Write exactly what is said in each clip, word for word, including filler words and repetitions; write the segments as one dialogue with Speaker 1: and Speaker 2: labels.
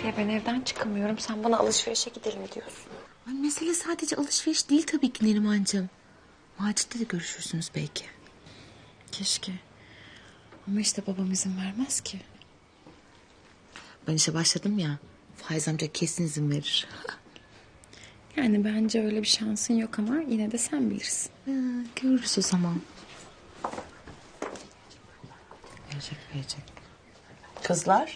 Speaker 1: Fahriye ben evden çıkamıyorum. Sen bana alışverişe gidelim diyorsun.
Speaker 2: Ay, mesele sadece alışveriş değil tabii ki Nerimancığım. Macit'le de görüşürsünüz belki.
Speaker 1: Keşke. Ama işte babam izin vermez ki.
Speaker 2: Ben işe başladım ya. Faiz amca kesin izin verir.
Speaker 1: Yani bence öyle bir şansın yok ama yine de sen bilirsin.
Speaker 2: Ha, görürüz o zaman. Verecek verecek.
Speaker 3: Kızlar.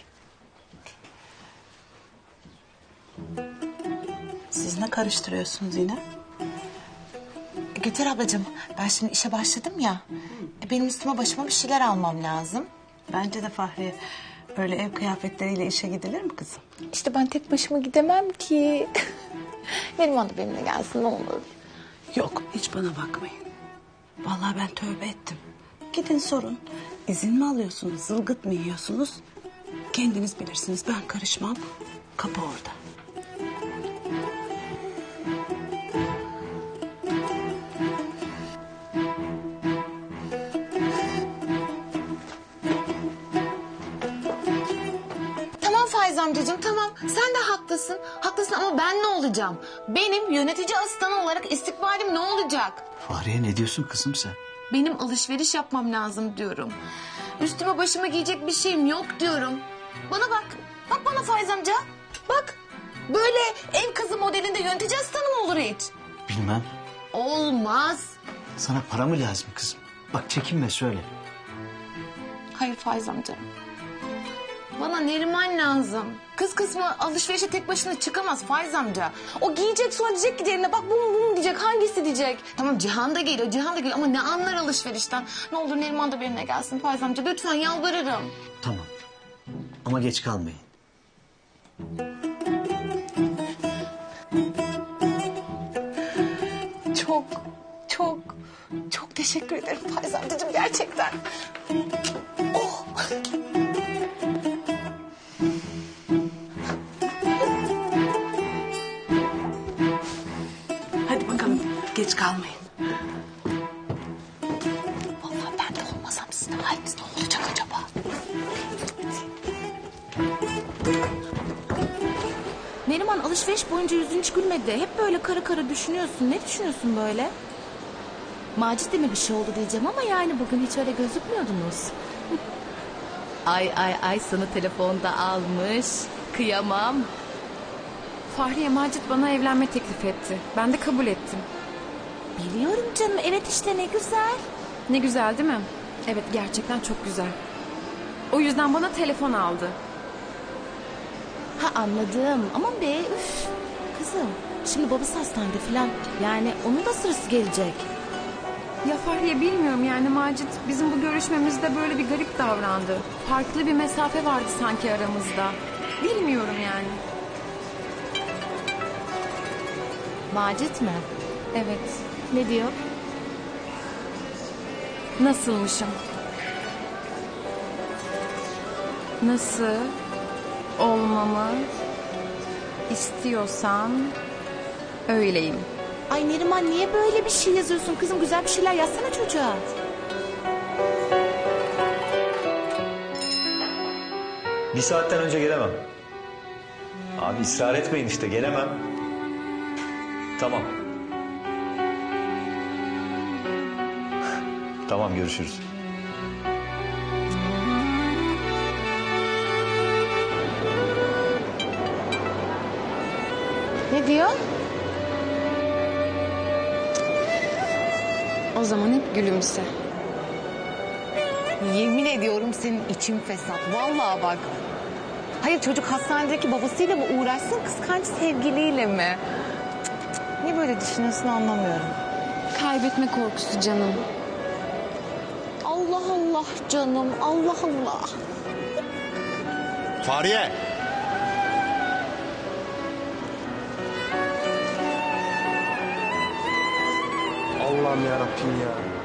Speaker 3: Siz ne karıştırıyorsunuz yine?
Speaker 2: Gülter ablacığım, ben şimdi işe başladım ya. E, benim üstüme başıma bir şeyler almam lazım.
Speaker 3: Bence de Fahriye. Öyle ev kıyafetleriyle işe gidilir mi kızım?
Speaker 1: İşte ben tek başıma gidemem ki. Neriman da benimle gelsin ne olur.
Speaker 3: Yok, hiç bana bakmayın. Vallahi ben tövbe ettim. Gidin sorun. İzin mi alıyorsunuz, zılgıt mı yiyorsunuz? Kendiniz bilirsiniz, ben karışmam. Kapı orada.
Speaker 2: Tamam Faiz amcacığım, tamam. Sen de haklısın. Haklısın ama ben ne olacağım? Benim yönetici asistanı olarak istikbalim ne olacak?
Speaker 4: Fahriye ne diyorsun kızım sen?
Speaker 2: Benim alışveriş yapmam lazım diyorum. Üstüme başıma giyecek bir şeyim yok diyorum. Bana bak. Bak bana Faiz amca. Bak. Böyle ev kızı modelinde yönetici asistanı mı olur hiç?
Speaker 4: Bilmem.
Speaker 2: Olmaz.
Speaker 4: Sana para mı lazım kızım? Bak çekinme söyle.
Speaker 2: Hayır Faiz amca. Bana Neriman lazım. Kız kısmı alışverişe tek başına çıkamaz Faiz amca. O giyecek sonra diyecek ki diğerine bak bu mu bu mu diyecek, hangisi diyecek. Tamam Cihan da geliyor, Cihan da geliyor ama ne anlar alışverişten. Ne olur Neriman da benimle gelsin Faiz amca, lütfen yalvarırım.
Speaker 4: Tamam. Ama geç kalmayın.
Speaker 2: Çok, çok, çok teşekkür ederim Faiz amcacığım gerçekten. Oh.
Speaker 3: Hadi bakalım, geç kalmayın.
Speaker 2: Vallahi ben de olmasam sizin haliniz ne olacak acaba? Neriman alışveriş boyunca yüzün hiç gülmedi. Hep böyle kara kara düşünüyorsun. Ne düşünüyorsun böyle? Macit'le mi bir şey oldu diyeceğim ama yani bugün hiç öyle gözükmüyordunuz. ay ay ay sana telefonda almış. Kıyamam.
Speaker 1: Fahriye Macit bana evlenme teklif etti. Ben de kabul ettim.
Speaker 2: Biliyorum canım, evet işte ne güzel.
Speaker 1: Ne güzel değil mi? Evet gerçekten çok güzel. O yüzden bana telefon aldı.
Speaker 2: Ha anladım. Aman be üf. Kızım şimdi babası hastanede falan. Yani onun da sırası gelecek.
Speaker 1: Ya Fahriye bilmiyorum yani Macit bizim bu görüşmemizde böyle bir garip davrandı. Farklı bir mesafe vardı sanki aramızda. Bilmiyorum yani.
Speaker 2: Macit mi?
Speaker 1: Evet.
Speaker 2: Ne diyor?
Speaker 1: Nasılmışım? Nasıl olmamı istiyorsan öyleyim.
Speaker 2: Ay Neriman niye böyle bir şey yazıyorsun kızım? Güzel bir şeyler yazsana çocuğa.
Speaker 5: Bir saatten önce gelemem. Abi ısrar etmeyin işte gelemem. Tamam. Tamam görüşürüz.
Speaker 2: Ne diyor?
Speaker 1: O zaman hep gülümse.
Speaker 2: Yemin ediyorum senin için fesat. Vallahi bak. Hayır çocuk hastanedeki babasıyla mı uğraşsın kıskanç sevgiliyle mi? Cık cık cık. Niye böyle düşünüyorsun anlamıyorum.
Speaker 1: Kaybetme korkusu canım.
Speaker 2: Allah Allah canım Allah Allah.
Speaker 6: Fahriye! Allah'ım yarabbim ya.